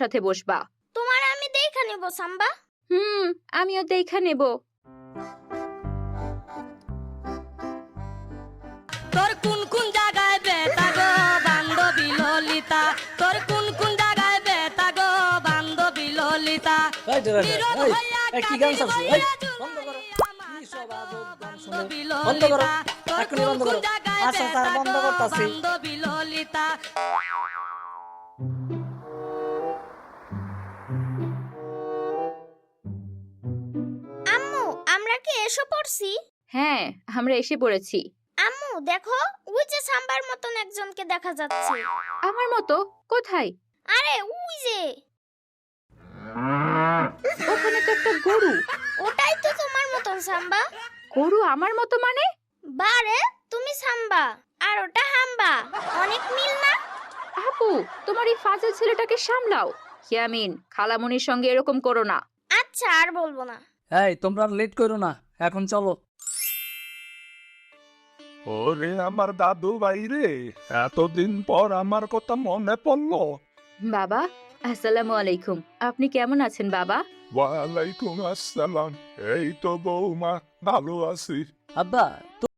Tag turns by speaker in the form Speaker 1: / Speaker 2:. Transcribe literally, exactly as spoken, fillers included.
Speaker 1: সাথে বসবা।
Speaker 2: তোমার আমি দেখা নেব সাম্বা।
Speaker 1: হুম, আমিও দেখা নেব।
Speaker 3: তোর কোন কোন জায়গায় বেতা গো বান্ধবী ললিতা, তোর কোন কোন জায়গায় বেতা গো বান্ধবী ললিতা।
Speaker 4: এই ড্রাইভার,
Speaker 3: নীরব
Speaker 4: এই,
Speaker 3: হইয়া
Speaker 4: এই কি গান
Speaker 3: কাঁদিল
Speaker 4: চালছে? এই,
Speaker 3: বইয়া
Speaker 4: বন্ধ করো।
Speaker 3: আমার
Speaker 4: কি সব আজব গান শুনে?
Speaker 3: বান্ধবী
Speaker 4: বন্ধ করো,
Speaker 3: ললিতা, তোর
Speaker 4: এখনই
Speaker 3: কোন
Speaker 4: বন্ধ
Speaker 3: কোন
Speaker 4: করো।
Speaker 3: জায়গায়
Speaker 4: আচ্ছা, স্যার,
Speaker 3: বেতা
Speaker 4: বন্ধ
Speaker 3: গো
Speaker 4: করতাছি।
Speaker 3: বান্ধবী ললিতা।
Speaker 2: আম্মু আমরা কি এসে পড়ছি?
Speaker 1: হ্যাঁ, আমরা এসে পড়েছি।
Speaker 2: আম্মু দেখো, ওই যে সাম্বার মতন একজনকে দেখা যাচ্ছে।
Speaker 1: আমার মতো? কোথায়?
Speaker 2: আরে ওই যে,
Speaker 1: ওখানে তো একটা গরু।
Speaker 2: ওটাই তো তোমার মতন সাম্বা।
Speaker 1: গরু আমার মতো মানে?
Speaker 2: বারে তুমি সাম্বা আর ওটা হাম্বা, অনেক মিল না?
Speaker 1: আপু, তোমার এই ফাজিল ছেলেটাকে সামলাও। ইয়ামিন, খালামণির সঙ্গে এরকম করো না।
Speaker 2: আচ্ছা আর বলবো না।
Speaker 4: এই তোমরা লেট করো না, এখন চলো।
Speaker 5: ওরে আমার দাদু ভাই রে, এতদিন পর আমার কথা মনে পড়লো।
Speaker 1: বাবা, আসসালামু আলাইকুম। আপনি কেমন আছেন বাবা?
Speaker 5: ওয়ালাইকুম আসসালাম। এই তো বৌমা, ভালো আছি।
Speaker 4: আব্বা